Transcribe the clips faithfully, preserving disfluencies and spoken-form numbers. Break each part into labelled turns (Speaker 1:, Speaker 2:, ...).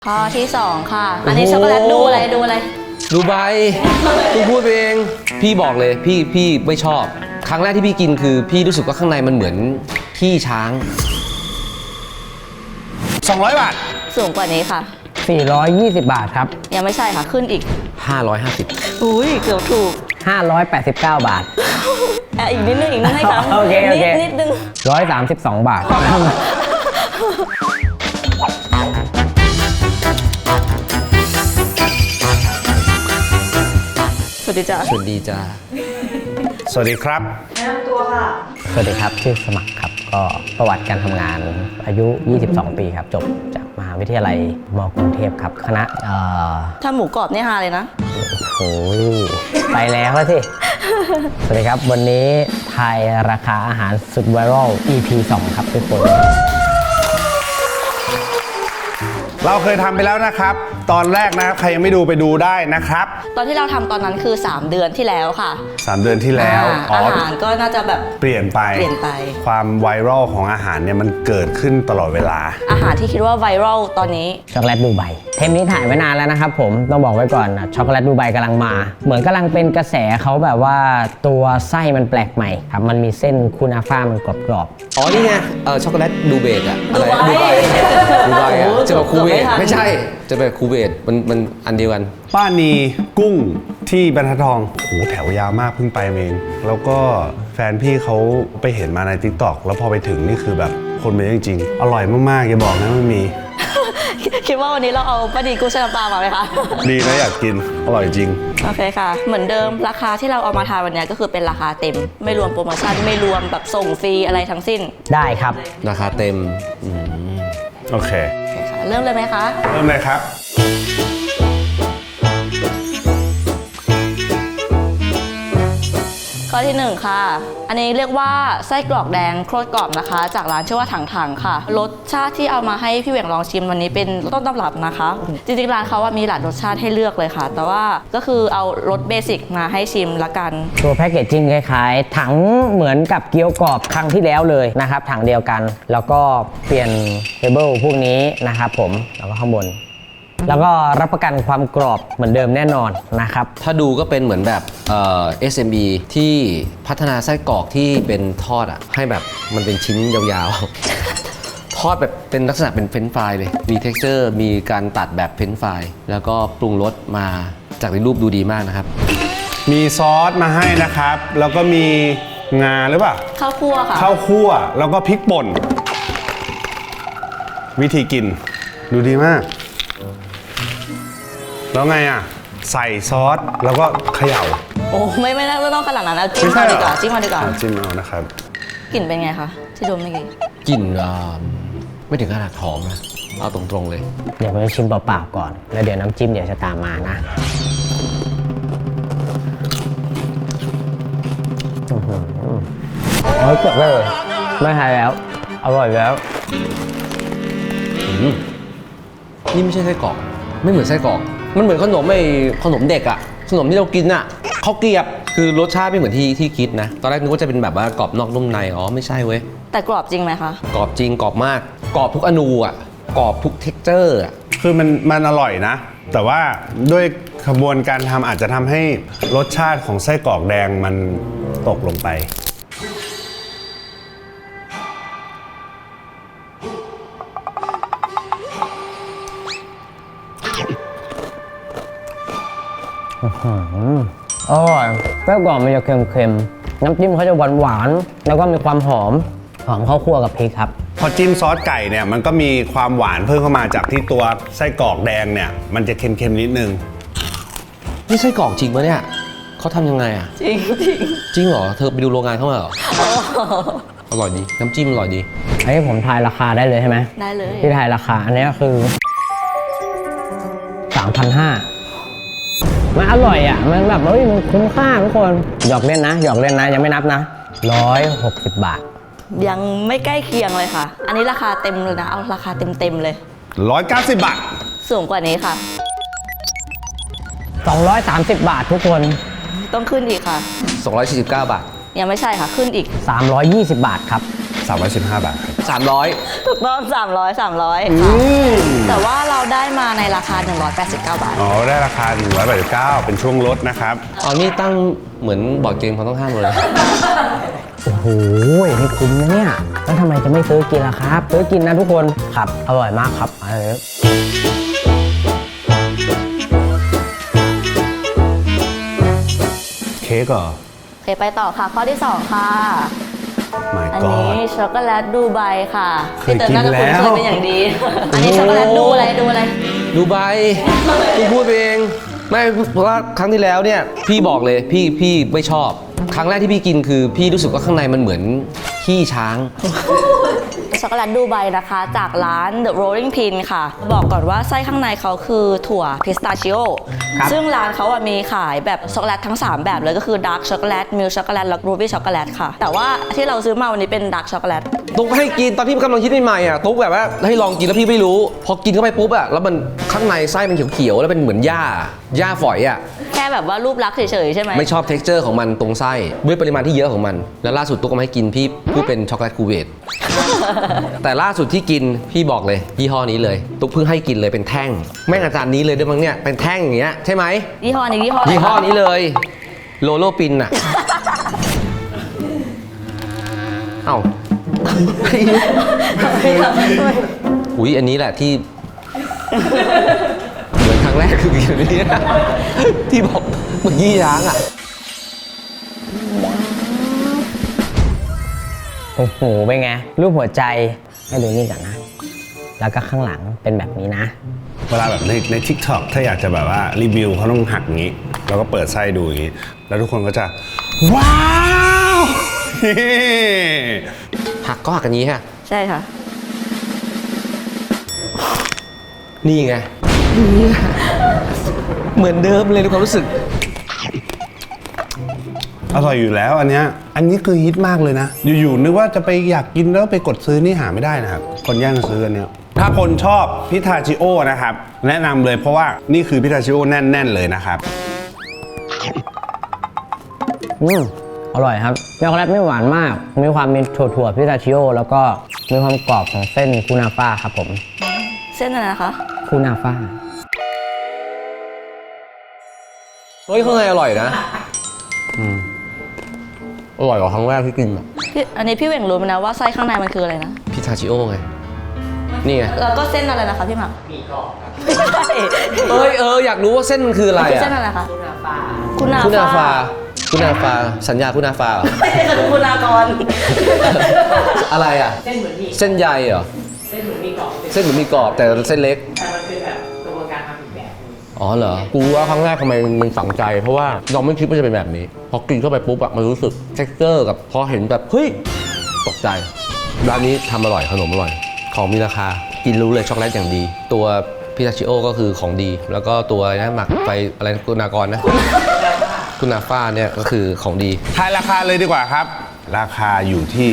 Speaker 1: ข้อที่สองค่ะอันนี้ช็อกโกแลตดูอะไรดูอะไร
Speaker 2: ดูใบพี่พูดเองพี่บอกเลยพี่พี่ไม่ชอบครั้งแรกที่พี่กินคือพี่รู้สึกว่าข้างในมันเหมือนขี้ช้าง
Speaker 3: สองร้อยบาท
Speaker 1: สูงกว่านี้ค่ะ
Speaker 4: สี่ร้อยยี่สิบบาทครับ
Speaker 1: ยังไม่ใช่ค่ะขึ้นอีก
Speaker 2: ห้าร้อยห้าสิบ
Speaker 1: อุ้ยเกือบถูก
Speaker 4: ห้าร้อยแปดสิบเก้าบาท
Speaker 1: อ่ะอีกนิดนึงอีกนิดให้ครับ
Speaker 4: โอเคโอเค
Speaker 1: นิดนึง
Speaker 4: หนึ่งร้อยสามสิบสองบาท
Speaker 1: สวัสดีจ้า
Speaker 2: สวัสดีจ้า
Speaker 3: สวัสดีครับ
Speaker 1: แนะนำตัวค่ะ
Speaker 4: สวัสดีครับชื่อสมัครครับก็ประวัติการทำงานอายุยี่สิบสองปีครับจบจากมหาวิทยาลัยมกรุงเทพครับคณะเอ่อ
Speaker 1: ถ้าหมูกรอบนี่ฮาเลยนะ
Speaker 4: โอ้ยไปแล้วสิสวัสดีครับวันนี้ทายราคาอาหารสุดไวรัล อี พี สองครับทุกคน
Speaker 3: เราเคยทำไปแล้วนะครับตอนแรกนะครับใครยังไม่ดูไปดูได้นะครับ
Speaker 1: ตอนที่เราทำตอนนั้นคือสามเดือนที่แล้วค่ะ
Speaker 3: สามเดือนที่แล้ว
Speaker 1: อาหารก็น่าจะแบบ
Speaker 3: เปลี่ยนไป
Speaker 1: เปลี่ยนไป
Speaker 3: ความไวรัลของอาหารเนี่ยมันเกิดขึ้นตลอดเวลา
Speaker 1: อาหารที่คิดว่าไวรัลตอนนี้
Speaker 4: ช็อกโกแลตดูไบเทปนี้ถ่ายไว้นานแล้วนะครับผมต้องบอกไว้ก่อนนะช็อกโกแลตดูไบกำลังมาเหมือนกำลังเป็นกระแสเขาแบบว่าตัวไส้มันแปลกใหม่ครับมันมีเส้นคูนาฟ่ามันกรอบ
Speaker 2: ๆอ๋อนี่ไงเออช็อกโกแลตดูเบตอะอะไรดูไบดูไบอะจะบอกคูเวตไม่ใช่จะเป็นคูเวตมันมันอันเดียวกัน
Speaker 3: ป้านีกุ้งที่บรรทัดทองโหแถวยาวมากเพิ่งไปเองแล้วก็แฟนพี่เขาไปเห็นมาใน ติ๊กต็อก แล้วพอไปถึงนี่คือแบบคนเป็นจริงๆอร่อยมากๆอย่าบอกนะไม่มี
Speaker 1: คิดว่าวันนี้เราเอาป้านีกุ้งแช่น้ำปลามาไหมคะ
Speaker 3: ดีนะอยากกินอร่อยจริง
Speaker 1: โอเคค่ะเหมือนเดิมราคาที่เราเอามาทานวันนี้ก็คือเป็นราคาเต็มไม่รวมโปรโมชั่นไม่รวมแบบส่งฟรีอะไรทั้งสิ้น
Speaker 4: ได้ครับ
Speaker 2: ราคาเต็ม
Speaker 3: โอเค
Speaker 1: โอเคค่ะเริ่มเลยไหมคะ
Speaker 3: เริ่มเลยครับ
Speaker 1: ข้อที่หนึ่งค่ะอันนี้เรียกว่าไส้กรอกแดงโคตรกรอบนะคะจากร้านชื่อว่าถังถังค่ะรสชาติที่เอามาให้พี่เหวี่ยงลองชิมวันนี้เป็นต้นตำรับนะคะจริงๆร้านเขาว่ามีหลายรสชาติให้เลือกเลยค่ะแต่ว่าก็คือเอารสเบสิกมาให้ชิมละกัน
Speaker 4: ตัวแพคเกจจิ้งคล้ายๆถังเหมือนกับเกี๊ยวกรอบครั้งที่แล้วเลยนะครับถังเดียวกันแล้วก็เปลี่ยนเทเบิลพวกนี้นะครับผมแล้วก็ข้างบนแล้วก็รับประกันความกรอบเหมือนเดิมแน่นอนนะครับ
Speaker 2: ถ้าดูก็เป็นเหมือนแบบเอ่อ เอส เอ็ม อี ที่พัฒนาไส้กรอกที่เป็นทอดอ่ะให้แบบมันเป็นชิ้นยาวๆ ทอดแบบเป็นลักษณะเป็นเฟรนช์ฟรายเลยมี เท็กซ์เจอร์ มีการตัดแบบเฟรนช์ฟรายแล้วก็ปรุงรสมาจากในรูปดูดีมากนะครับ
Speaker 3: มีซอสมาให้นะครับแล้วก็มีงาหรือเปล่า
Speaker 1: ข้าวคั่วค่ะ
Speaker 3: ข้าวคั่วแล้วก็พริกป่นวิธีกินดูดีมากแล้วไงอ่ะใส่ซอสแล้วก็เขย่า
Speaker 1: โอ้ไม่ไม่ไม่ต้องขนาดนั้นแล้วจิ้มมาดีกว่าจิ้มมาดีกว่า
Speaker 3: จิ้มเอานะครับ
Speaker 1: กลิ่นเป็นไงคะที่ดมเมื่อกี้
Speaker 2: กลิ่นไม่ถึงขนาดหอมนะเอาตรงๆเลย
Speaker 4: เดี๋ยวผมจะชิมเปล่าๆก่อนแล้วเดี๋ยวน้ำจิ้มเดี๋ยวจะตามมานะโอ้ยเกือบเลยไม่หายแล้วอร่อยแล้ว
Speaker 2: นี่ไม่ใช่ไส้กรอกไม่เหมือนไส้กรอกมันเหมือนขนมไอ้ขนมเด็กอะขนมที่เรากินอะข้าวเกรียบคือรสชาติไม่เหมือนที่ที่คิดนะตอนแรกนึกว่าจะเป็นแบบว่ากรอบนอกนุ่มในอ๋อไม่ใช่เว้ย
Speaker 1: แต่กรอบจริงไหมคะ
Speaker 2: กรอบจริงกรอบมากกรอบทุกอนูอะกรอบทุกเท็กเจอร์อะ
Speaker 3: คือมันมันอร่อยนะแต่ว่าด้วยกระบวนการทำอาจจะทำให้รสชาติของไส้กรอกแดงมันตกลงไป
Speaker 4: อร่อยไส้กรอกมันจะเค็มๆน้ำจิ้มเขาจะหวานๆแล้วก็มีความหอมหอมข้าวคั่วกับพริกครับ
Speaker 3: พอจิ้มซอสไก่เนี่ยมันก็มีความหวานเพิ่มเข้ามาจากที่ตัวไส้กรอกแดงเนี่ยมันจะเค็มๆนิดนึง
Speaker 2: นี่ไส้กรอกจริงปะเนี่ยเขาทำยังไงอ่ะ
Speaker 1: จริงจริง
Speaker 2: จริงเหรอเธอไปดูโรงงานเขามาเหรออร่อยดีน้ำจิ้มอร่อยดี
Speaker 4: อันนี้ผมทายราคาได้เลยใช่ไหม
Speaker 1: ได้เลย
Speaker 4: ที่ทายราคาอันนี้ก็คือ สามพันห้าร้อยมันอร่อยอ่ะมันแบบเฮ้ยมันคุ้มค่าทุกคนหยอกเล่นนะหยอกเล่นนะยังไม่นับนะหนึ่งร้อยหกสิบบาท
Speaker 1: ยังไม่ใกล้เคียงเลยค่ะอันนี้ราคาเต็มเลยนะเอาราคาเต็มเต็มเลย
Speaker 3: หนึ่งร้อยเก้าสิบบาท
Speaker 1: สูงกว่านี้ค่ะ
Speaker 4: สองร้อยสามสิบบาททุกคน
Speaker 1: ต้องขึ้นอีกค่ะ
Speaker 2: สองร้อยสี่สิบเก้าบาท
Speaker 1: ยังไม่ใช่ค่ะขึ้นอีก
Speaker 4: สามร้อยยี่สิบบาทครับ
Speaker 3: สามร้อยสิบห้าบาท
Speaker 2: สามร้อย
Speaker 1: ถูกต้องสามร้อย สามร้อย
Speaker 3: อื
Speaker 1: ค่ะ
Speaker 3: ม
Speaker 1: แต่ว่าเราได้มาในราคา หนึ่งร้อยแปดสิบเก้า บาท
Speaker 3: อ๋อ ได้ราคา หนึ่งร้อยแปดสิบเก้า เป็นช่วงลดนะครับ
Speaker 2: อ๋อนี่ตั้งเหมือนบอร์ดเกมเขาต้องห้ามเลย
Speaker 4: โอ้โหนี่คุ้มนะเนี่ย แล้วทำไมจะไม่ซื้อกินล่ะครับ ซื้อกินนะทุกคนครับ อร่อยมากครับเออ
Speaker 3: เค้กเหรอ
Speaker 1: โอเคไปต่อค่ะ ข้อที่ สอง ค่ะ
Speaker 3: my
Speaker 1: อัน
Speaker 3: god
Speaker 1: นี้ช็อกโกแลตดูไบค่ะ
Speaker 3: เคยกิน
Speaker 1: พี่เต๋อน่าจะคุ้น
Speaker 3: แล้ว
Speaker 1: เคยเป็นอย่างดี อันนี้ช็อกโกแลตดูอะไรดูอะไร
Speaker 2: ดูใบพี่พูดเองไม่เพราะว่าครั้งที่แล้วเนี่ยพี่บอกเลยพี่พี่ไม่ชอบ ครั้งแรกที่พี่กินคือพี่รู้สึกว่าข้างในมันเหมือนขี้ช้าง
Speaker 1: ช็อกโกแลตดูไบนะคะ จากร้าน The Rolling Pin ค่ะ บอกก่อนว่าไส้ข้างในเขาคือถั่วพิสตาชิโอ
Speaker 4: ครับ
Speaker 1: ซึ่งร้านเขาอะมีขายแบบช็อกโกแลตทั้ง สาม แบบเลยก็คือดาร์กช็อกโกแลตมิลช็อกโกแลตและรูบี้ช็อกโกแลตค่ะ แต่ว่าที่เราซื้อมาวันนี้เป็นดาร์กช็อกโกแลต
Speaker 2: ตุ๊กให้กินตอนที่กำลังคิดใหม่ๆอ่ะตุ๊กแบบว่าให้ลองกินแล้วพี่ไม่รู้ พอกินเข้าไปปุ๊บอ่ะแล้วมันข้างในไส้มันเขียวๆแล้วเป็นเหมือนหญ้าหญ้าฝอยอ่ะ
Speaker 1: แค่แบบว่ารูปลักษณ์เฉยๆใช่ไหม
Speaker 2: ไม่ชอบ texture ของมันตรงไส้ด้วยปริมาณที่เยอะของมัน แล้วล่าสุดตุ๊กก็มาให้กินพี่พูดเป็นช็อกโกแลตคูเวต แต่ล่าสุดที่กินพี่บอกเลยยี่ห้อนี้เลย ตุ๊กเพิ่งให้กินเลยเป็นแท่งแม่งอาจารย์นี้เลยด้วยมั้งเนี่ยเป็นแท่งอย่างเงี้ยใช่ไหม
Speaker 1: ยี่ห้อนี้ยี่ห้ออะไร
Speaker 2: ยี่ห้อ
Speaker 1: คะ
Speaker 2: นี้เลยโลโลปินอ่ะ เอ้า อุ้ยอันนี้แหละที่ เหมือนครั้งแรกคือกินอันนี้นะที่บอกเมื่อกี้ย้างอ่ะ
Speaker 4: โอ้โหเป็นไง รูปหัวใจให้ดูนี่ก่อนนะ แล้วก็ข้างหลังเป็นแบบนี้นะ
Speaker 3: เวลาแบบในใน TikTok ถ้าอยากจะแบบว่ารีวิวเขาต้องหักอย่างนี้ แล้วก็เปิดไส้ดูอย่างนี้ แล้วทุกคนก็จะ ว้าว
Speaker 2: หักก็หักกันนี้ฮะ
Speaker 1: ใช่ค่ะ
Speaker 2: นี่ไงนี่ไงเหมือนเดิมเลยในความรู้สึก
Speaker 3: อร่อยอยู่แล้วอันเนี้ยอันนี้คือฮิตมากเลยนะ อยู่ๆนึกว่าจะไปอยากกินแล้วไปกดซื้อนี่หาไม่ได้นะครับ คนแย่งกันซื้ออันเนี้ยถ้าคนชอบพิทาชิโอนะครับ แนะนำเลยเพราะว่านี่คือพิทาชิโอแน่นๆเลยนะครับ
Speaker 4: อืมอร่อยครับช็อกโกแลตไม่หวานมาก มีความมีถั่วๆพิสตาชิโอ แล้วก็มีความกรอบของเส้นคูนาฟ่าครับผม
Speaker 1: เส้นอะไรนะคะ
Speaker 4: คูนาฟ่า
Speaker 2: เฮ้ยข้างในอร่อยนะอืมอร่อยกว่าครั้งแรกที่กินอ่ะ
Speaker 1: พี่อันนี้พี่เหว่งรู้ไหมนะว่าไส้ข้างในมันคืออะไรนะ
Speaker 2: พิทาชิโอไง นี่ไง
Speaker 1: แล้วก็เส้นอะไรนะคะพี่หมักหมี่กรอบไม่ใช่
Speaker 2: เอ้ยเอออยากรู้ว่าเส้นมันคืออะไร
Speaker 1: คือ
Speaker 2: อ่ะ
Speaker 1: เส้นอะไรคะคุณนา
Speaker 2: คุณอา
Speaker 1: ฟ้า
Speaker 2: ฟาคุณอาฟาสัญญาคุณอาฟาเหรอ
Speaker 1: ไม่ใช่คือคุณากร
Speaker 2: อะไรอ่ะ
Speaker 5: เส้นเหมือนหมี่
Speaker 2: เส้นใยเหรอ
Speaker 5: เส้นเหมือนหมี่กรอบ
Speaker 2: เส้นเหมือนมีกรอบแต่เส้นเล็ก
Speaker 5: แต่มันคือแบบกระบวนการทำอีกแบบนึง
Speaker 2: อ๋อเหรอ กูว่าครั้งแรกทำไมมันฝังใจ เพราะว่าเราไม่คิดว่าจะเป็นแบบนี้ พอกินเข้าไปปุ๊บอะมันรู้สึก texture กับพอเห็นแบบ เฮ้ย ตกใจ ร้านนี้ทำอร่อยขนมอร่อย ของมีราคา กินรู้เลยช็อกโกแลตอย่างดี ตัวพิทาชิโอก็คือของดี แล้วก็ตัวอะไรนะหมักไฟอะไรนะกุนากรนะ กุนาฟ้าเนี่ยก็คือของดี
Speaker 3: ทายราคาเลยดีกว่าครับ ราคาอยู่ที่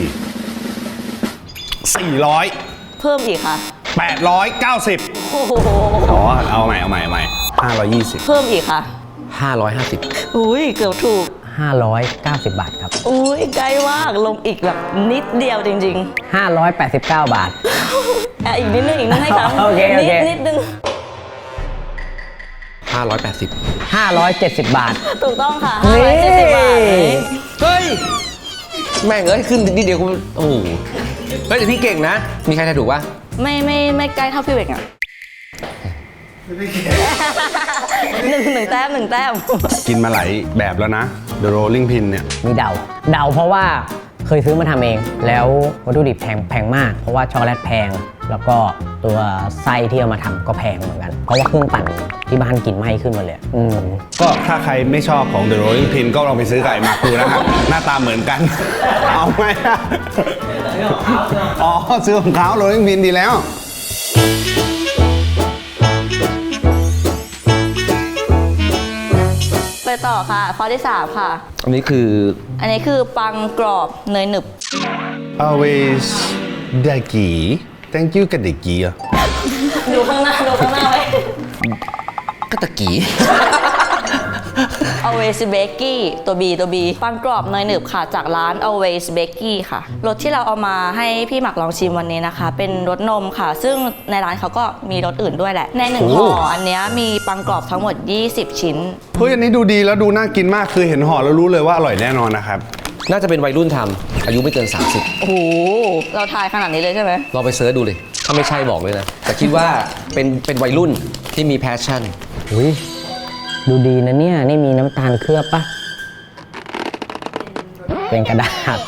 Speaker 3: สี่ร้อย
Speaker 1: เพิ่มอีกค่ะ
Speaker 3: แปดร้อยเก้าสิบ
Speaker 1: โอ้โห
Speaker 3: อ๋อเอาใหม่เอาใหม่เอาใหม่ห้าร้อยยี่สิบ
Speaker 1: เพิ่มอีกค่ะ
Speaker 2: ห้าร้อยห้าสิบ
Speaker 1: อุ้ยเกือบถูก
Speaker 4: ห้าร้อยเก้าสิบบาทครับ
Speaker 1: อุ้ยใกล้มากลงอีกแบบนิดเดียวจริง
Speaker 4: ห้าร้อยแปดสิบเก้าบาท
Speaker 1: ๆอ่ะอีกนิดนึงอีกนิดให้ครั้ง
Speaker 4: โอเคโอ
Speaker 1: นิ
Speaker 4: เค
Speaker 1: ดนิดนึง
Speaker 2: ห้าร้อยแปดสิบ
Speaker 4: ห้าร้อยเจ็ดสิบบาท
Speaker 1: ถูกต้องค่ะ
Speaker 4: นี่
Speaker 1: ห้าร้อยเจ็ดสิบบาท
Speaker 2: เฮ้ย แม่งเอ้ย ขึ้นนิดเดียวกูโอ้โหเฮ้ยแต่พี่เก่งนะ มีใครทายถูกปะ
Speaker 1: ไม่ไม่ไม่ใกล้เท่าพี่เวกอ่ะหนึ่งหนึ่งแต้มหนึ่งแต้ม
Speaker 3: กินมาหลายแบบแล้วนะ The Rolling Pin เนี่ย
Speaker 4: มีเดา เดาเพราะว่าเคยซื้อมาทำเอง แล้ววัตถุดิบแพงแพงมาก เพราะว่าช็อกโกแลตแพง แล้วก็ตัวไส้ที่เอามาทำก็แพงเหมือนกัน เพราะว่าเครื่องปั่นที่บ้านกินไหม้ขึ้นหมาเลย อืม
Speaker 3: ก็ถ้าใครไม่ชอบของ The Rolling Pin ก็ลองไปซื้อไก่มาดูนะครับ หน้าตาเหมือนกัน เอาไหมอะอ๋อ ซื้อของเขา Rolling Pin ดีแล้ว
Speaker 1: ไปต่อค่ะ ข้อที่สามค่ะ
Speaker 2: อันนี้คือ
Speaker 1: อันนี้คือปังกรอบเนยหนึบ
Speaker 3: always ได้กี่ thank you กับเด็กกี่อ่ะ
Speaker 1: ดูข้างหน้าดูข้างหน้าไว้
Speaker 2: กะตะกี
Speaker 1: Always Bakey ตัว B ตัว B ปังกรอบเนยหนึบค่ะจากร้าน Always Bakey ค่ะรสที่เราเอามาให้พี่หมักลองชิมวันนี้นะคะ เป็นรสนมค่ะ ซึ่งในร้านเขาก็มีรสอื่นด้วยแหละ ในหนึ่ง
Speaker 3: โอ้
Speaker 1: ห่ออันเนี้ยมีปังกรอบทั้งหมด ยี่สิบ ชิ้น
Speaker 3: เฮ้ยอันนี้ดูดีแล้วดูน่ากินมากคือเห็นห่อแล้วรู้เลยว่าอร่อยแน่นอนนะครับ
Speaker 2: น่าจะเป็นวัยรุ่นทำอายุไม่เกิน สามสิบ
Speaker 1: โอ้โห เราทายขนาดนี้เลยใช่ไหม
Speaker 2: ลองไปเสิร์ชดูเลย ถ้าไม่ใช่บอกเลยนะ แต่คิดว่าเป็นเป็นวัยรุ่นที่มีแพชชั่น
Speaker 4: อุ้ยดูดีนะเนี่ย นี่มีน้ำตาลเคลือบปะเป็นกระดาษ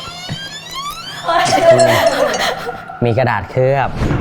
Speaker 4: มีกระดาษเคลือบ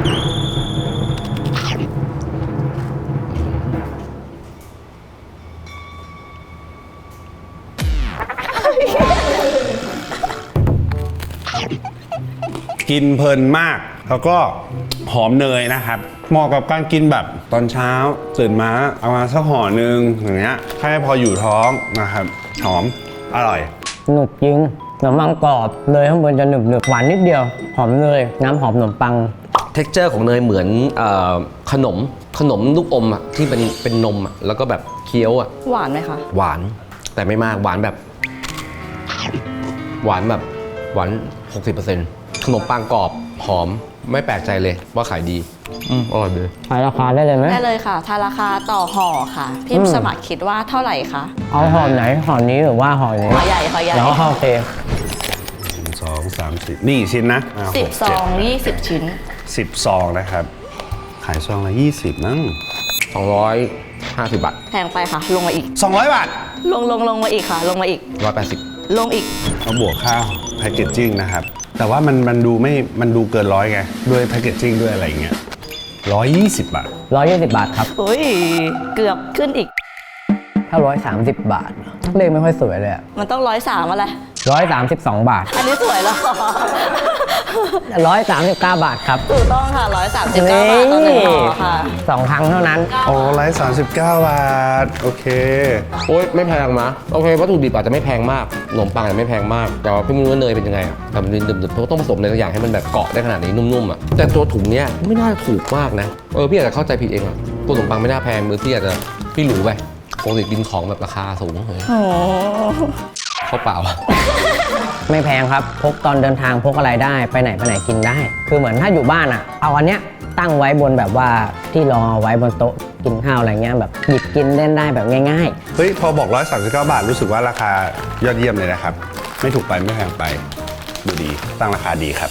Speaker 3: กินเพลินมาก แล้วก็หอมเนยนะครับเหมาะกับการกินแบบตอนเช้าตื่นมาเอามาสักห่อหนึ่งอย่างเงี้ยแค่พออยู่ท้องนะครับหอมอร่อย
Speaker 4: หนุบจริงขนมปังกรอบเนยข้างบนจะหนึบหนึบๆหวานนิดเดียว หอมเนยน้ำหอมขนมปัง
Speaker 2: เท็กเจอร์ของเนยเหมือนเออขนมขนมลูกอมอ่ะที่เป็นเป็นนมอ่ะแล้วก็แบบเคี้ยวอ่ะ
Speaker 1: หวานไหมคะ
Speaker 2: หวานแต่ไม่มากหวานแบบ หวานแบบหวาน หกสิบเปอร์เซ็นต์ ขนมปังกรอบหอมไม่แปลกใจเลยว่าขายดี อืมอร่อยเลย
Speaker 4: ขายราคาได้เลยไหม
Speaker 1: ได้เลยค่ะทาราคาต่อห่อค่ะ พี่
Speaker 4: อืม
Speaker 1: สมัครคิดว่าเท่าไหร่คะ
Speaker 4: เอาห่อไหนห่อนี้หรือว่าห่อนี้
Speaker 1: ห่อใหญ่ห่อใหญ่
Speaker 4: เดี๋ยวห่อโอเค
Speaker 3: สองสามสี่นี่ชิ้นนะอ่า
Speaker 1: สิบ
Speaker 3: หก
Speaker 1: ซ
Speaker 3: เจ็
Speaker 1: อ
Speaker 3: ด
Speaker 1: งยี่สิบชิ้น
Speaker 3: สิบซองนะครับ ขายซองละยี่สิบมั้ง
Speaker 2: สองร้อยห้าสิบบาท
Speaker 1: แพงไปค่ะ ลงมาอีก
Speaker 3: สองร้อยบาท
Speaker 1: ลงลงลงมาอีกค่ะ ลงมาอีก
Speaker 2: หนึ่งร้อยแปดสิบ
Speaker 1: ลงอีก
Speaker 3: เอาบวกค่าแพคเกจจิ้งนะครับ แต่ว่ามันมันดูไม่มันดูเกินร้อยไงด้วยแพคเกจจิ้งด้วยอะไรอย่างเงี้ยร้อยยี่สิบบาท
Speaker 4: ร้อยยี่สิบบาทครับ
Speaker 1: เฮ้ย เกือบขึ้นอีก
Speaker 4: ถ้าร้อยสามสิบบาท เลขไม่ค่อยสวยเลยอะ
Speaker 1: มันต้องร้อยสามอะไร
Speaker 4: ร้อยสามสิบสองบาท
Speaker 1: อันนี้สวยแล้ว
Speaker 4: ร้อยสามสิบเก้าบาทครับ
Speaker 1: ถูกต้องค่ะร้อยสามสิบเก้าบาทต่อหนึ่งห่อค่ะ
Speaker 4: สองครั้งเท่านั้น
Speaker 3: โอ้ไลท์สามสิบเก้าบาท โอเค
Speaker 2: โอ๊ยไม่แพงนะโอเควัตถุดิบอาจจะไม่แพงมากขนมปังอาจจะไม่แพงมากแต่ว่าพี่ไม่รู้ว่าเนยเป็นยังไงอะแต่มันดื่มๆเพราะต้องผสมอะไรสักอย่างให้มันแบบเกาะได้ขนาดนี้นุ่มๆอ่ะแต่ตัวถุงเนี้ยไม่น่าถูกมากนะเออพี่อาจจะเข้าใจผิดเองอ่ะตัวขนมปังไม่น่าแพงมือพี่อาจจะพี่หรูไปปกติกินของแบบราคาสูงเลย
Speaker 1: โอ้
Speaker 2: เข้าเปล่า
Speaker 4: ไม่แพงครับ พกตอนเดินทางพกอะไรได้ไปไหนไปไหนกินได้ คือเหมือนถ้าอยู่บ้านอะเอาอันเนี้ยตั้งไว้บนแบบว่าที่รองเอาไว้บนโต๊ะกินข้าวอะไรเงี้ยแบบหยิบกินเล่นได้แบบง่าย
Speaker 3: เฮ้ย พอบอกร้อยสามสิบเก้าบาทรู้สึกว่าราคายอดเยี่ยมเลยนะครับ ไม่ถูกไปไม่แพงไป ดูดี ตั้งราคาดีครับ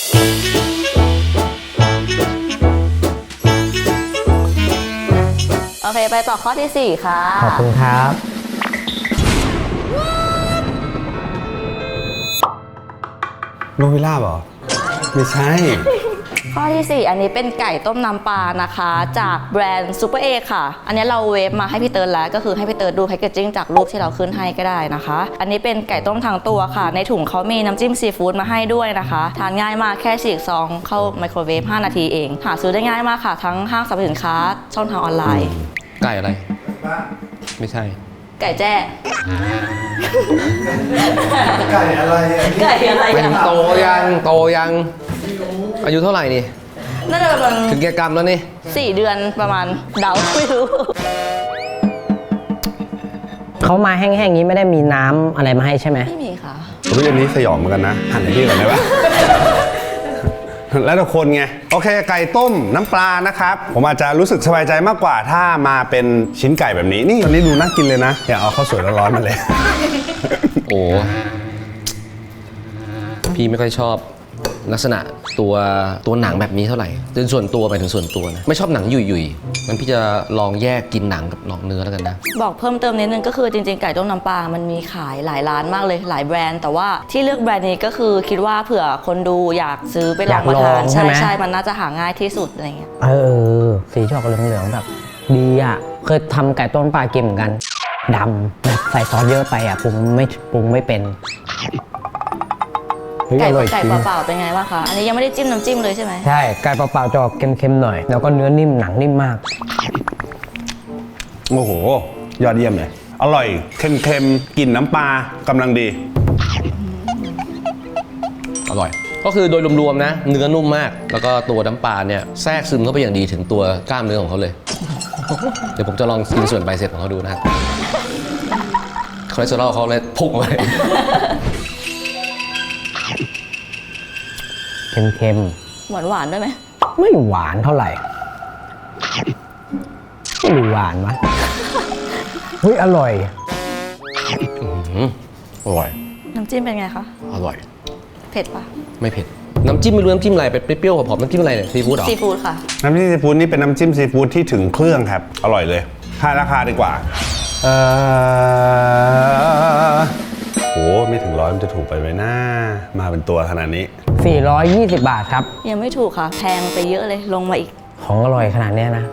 Speaker 1: โอเค ไปต่อข้อที่สี่ค่ะ
Speaker 4: ๆ ขอบคุณครับ
Speaker 3: โนวิล่าเหรอ ไม่ใช่
Speaker 1: ข้อที่สี่อันนี้เป็นไก่ต้มน้ำปลานะคะ จากแบรนด์ซูเปอร์เอค่ะ อันนี้เราเวฟมาให้พี่เติร์ดแล้ว ก็คือให้พี่เติร์ดดูแพคเกจจิ้งจากรูปที่เราขึ้นให้ก็ได้นะคะ อันนี้เป็นไก่ต้มทั้งตัวค่ะ ในถุงเขามีน้ำจิ้มซีฟู้ดมาให้ด้วยนะคะ ทานง่ายมากแค่ฉีกซองเข้าไมโครเวฟห้านาทีเอง หาซื้อได้ง่ายมากค่ะ ทั้งห้างสรรพสินค้าช่องทางออนไลน์
Speaker 2: ไก่อะไร ไม่ใช่
Speaker 1: ไก่แจ้
Speaker 3: ไก่อะไร
Speaker 1: ไก่อะไร
Speaker 2: ไม่
Speaker 1: อะ
Speaker 2: ถึงโตยังโตยังอายุเท่าไหร่นี่
Speaker 1: น่าจะประมาณ
Speaker 2: ถึงแก่กรรมแล้วนี่
Speaker 1: สี่เดือนประมาณเดาไม่รู้
Speaker 4: เขามาแห้งๆนี้ไม่ได้มีน้ำอะไรมาให้ใช่ไหม
Speaker 1: ไม่มีค่ะ
Speaker 3: เฮ้ยอันนี้สยองเหมือนกันนะ หันไปที่ก่อนได้ปะ แล้วแต่คนไง โอเค ไก่ต้มน้ำปลานะครับ ผมอาจจะรู้สึกสบายใจมากกว่าถ้ามาเป็นชิ้นไก่แบบนี้ นี่ตอนนี้ดูน่ากินเลยนะ อยากเอาข้าวสวยร้อนๆมาเลย
Speaker 2: โอ้พี่ไม่ค่อยชอบลักษณะตัวตัวหนังแบบนี้เท่าไหร่โดยส่วนตัวไปถึงส่วนตัวนะไม่ชอบหนังหยุ่ยๆมันพี่จะลองแยกกินหนังกับลองเนื้อแล้วกันนะ
Speaker 1: บอกเพิ่มเติมนิดนึงก็คือจริงๆไก่ต้มน้ำปลา มันมีขายหลายร้านมากเลยหลายแบรนด์ แต่ว่าที่เลือกแบรนด์นี้ก็คือคิดว่าเผื่อคนดูอยากซื้อไปลองมาทาน
Speaker 4: อยากลองใช่
Speaker 1: ใช่
Speaker 4: ไหม
Speaker 1: ใช่มันน่าจะหาง่ายที่สุดอะไรเงี้ย
Speaker 4: เออ สีชอกเหลืองๆแบบ ดีอ่ะ เคยทำไก่ต้มปลากินเหมือนกันดำแบบใส่ซอสเยอะไปอ่ะปรุงไม่ปรุงไม่เป็นเฮ้ย
Speaker 1: ไก่
Speaker 4: อร่อย
Speaker 1: ไก่
Speaker 4: จริง
Speaker 1: เปล่าๆเป็นไงบ้างคะ อันนี้ยังไม่ได้จิ้มน้ำจิ้มเลยใช่ไหม
Speaker 4: ใช่ ไก่เปล่าๆจะออกเค็มๆหน่อย แล้วก็เนื้อนิ่มหนังนิ่มมาก
Speaker 3: โอ้โห ยอดเยี่ยมเลย อร่อย เค็มๆ กลิ่นน้ำปลากำลังดี
Speaker 2: อร่อย ก็คือโดยรวมๆนะ เนื้อนุ่มมาก แล้วก็ตัวน้ำปลาเนี่ยแทรกซึมเข้าไปอย่างดีถึงตัวกล้ามเนื้อของเขาเลย เดี๋ยวผมจะลองกินส่วนใบเสร็จของเขาดูนะครับคอเลสเตอรอลเขาเลยพุ่งไป
Speaker 4: เค็ม
Speaker 1: หวานหวานๆด้วยไหม
Speaker 4: ๆ ไม่หวานเท่าไหร่ไม่รู้หวานวะเฮ้ยอร่อย
Speaker 2: อร่อย
Speaker 1: น้ำจิ้มเป็นไงคะ
Speaker 2: อร่อย
Speaker 1: เผ็ดปะ
Speaker 2: ไม่เผ็ด น้ำจิ้มไม่รู้น้ำจิ้มอะไรเป็นเปรี้ยวๆหอมๆน้ำจิ้มอะไรเนี่ยซีฟู้ดเหรอ
Speaker 1: ซีฟู้ดค่ะ
Speaker 3: น้ำจิ้มซีฟู้ดนี่เป็นน้ำจิ้มซีฟู้ดที่ถึงเครื่องครับ อร่อยเลยทายราคาดีกว่า เออโหไม่ถึงร้อยมันจะถูกไปไหมนะมาเป็นตัวขนาดนี้
Speaker 4: สี่ร้อยยี่สิบบาทครับ
Speaker 1: ยังไม่ถูกค่ะ แพงไปเยอะเลยลงมาอีก
Speaker 4: ของอร่อยขนาดเนี้ยนะ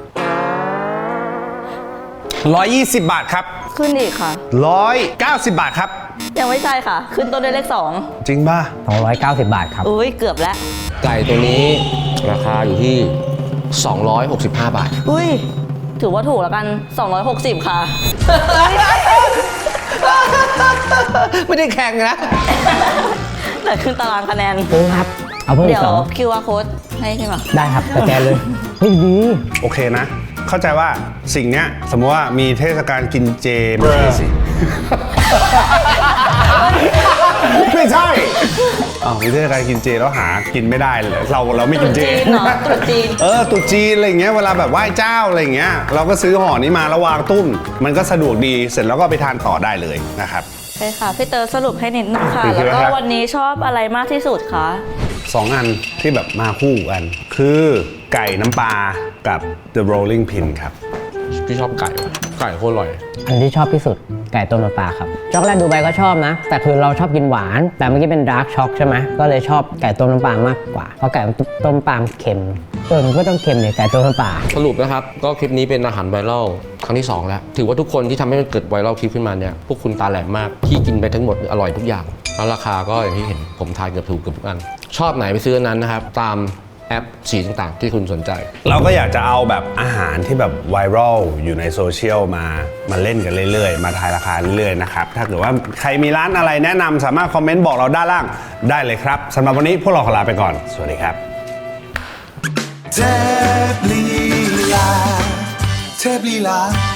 Speaker 3: หนึ่งร้อยยี่สิบบาทครับ
Speaker 1: ขึ้นอีกค่ะ
Speaker 3: หนึ่งร้อยเก้าสิบบาทครับ
Speaker 1: ยังไม่ใช่ค่ะ ขึ้นต้นด้วยเลขสอง
Speaker 3: จริงป่ะ
Speaker 4: สองร้อยเก้าสิบบาทครับ
Speaker 1: อุ้ยเกือบแล้ว
Speaker 2: ไก่ตัวนี้ราคาอยู่ที่ สองร้อยหกสิบห้า บาท
Speaker 1: อุ้ยถือว่าถูกแล้วกัน สองร้อยหกสิบค่ะ
Speaker 2: ไม่ได้แข่งนะ
Speaker 1: แต่ขึ้นตารางคะแนน
Speaker 4: เออครับ เอาเพิ่มอี
Speaker 1: เดี๋ย
Speaker 4: ก
Speaker 1: ว
Speaker 4: สอง
Speaker 1: คิว อาร์ code ให้ใช่ไหม
Speaker 4: ได้ครับสแกนเลยเฮ้ยดี
Speaker 3: โอเคนะ เข้าใจว่าสิ่งเนี้ยสมมติว่ามีเทศกาลกินเจไม่ใช่สิ ไม่ใช่อ้าวมีเทศกาลกินเจแล้วหากินไม่ได้เลยเราเราไม่กินเจ
Speaker 1: ตรุษจีนเหรอตรุษจีน
Speaker 3: เออตรุษจีนอะไรอย่างเงี้ยเวลาแบบไหว้เจ้าอะไรอย่างเงี้ยเราก็ซื้อห่อนี้มาแล้ววางตุ้มมันก็สะดวกดีเสร็จแล้วก็ไปทานต่อได้เลยนะครับ
Speaker 1: ใช่ค่ะพี่เตอร์สรุปให้นิดนึงค่ะ
Speaker 3: คือ
Speaker 1: แล้วก็
Speaker 3: ครับ
Speaker 1: วันนี้ชอบอะไรมากที่สุดคะ
Speaker 3: สองอันที่แบบมาคู่กัน คือไก่น้ำปลากับ The Rolling Pin ครับ
Speaker 2: พี่ชอบไก่ว่ะไก่โคตรอร่อย
Speaker 4: อันที่ชอบที่สุดไก่ต้มน้ำปลาครับช็อกโกแลตดูไบก็ชอบนะ แต่คือเราชอบกินหวาน แต่เมื่อกี้เป็นดาร์กช็อกใช่ไหมก็เลยชอบไก่ต้มน้ำปลามากกว่า เพราะไก่ต้มน้ำปลาเค็มเออมันก็ต้องเค็มเนี่ยไก่ต้มน้ำปลา
Speaker 2: สรุปนะครับ ก็คลิปนี้เป็นอาหารไวรัลครั้งที่ สอง แล้ว ถือว่าทุกคนที่ทำให้มันเกิดไวรัลคลิปขึ้นมาเนี่ย พวกคุณตาแหลมมาก ที่กินไปทั้งหมดอร่อยทุกอย่าง แล้วราคาก็อย่างที่เห็นผมทายเกือบถูกเกือบทุกอัน ชอบไหนไปซื้ออันนั้นนะครับ ตามแอปสีต่างๆ ที่คุณสนใจ
Speaker 3: เราก็อยากจะเอาแบบอาหารที่แบบไวรัลอยู่ในโซเชียลมามาเล่นกันเรื่อยๆ มาทายราคาเรื่อยๆนะครับ ถ้าเกิดว่าใครมีร้านอะไรแนะนำสามารถคอมเมนต์บอกเราด้านล่างได้เลยครับสำหรับวันนี้พวกเราขอลาไปก่อน สวัสดีครับ
Speaker 6: เทพลีลาเทพลีลา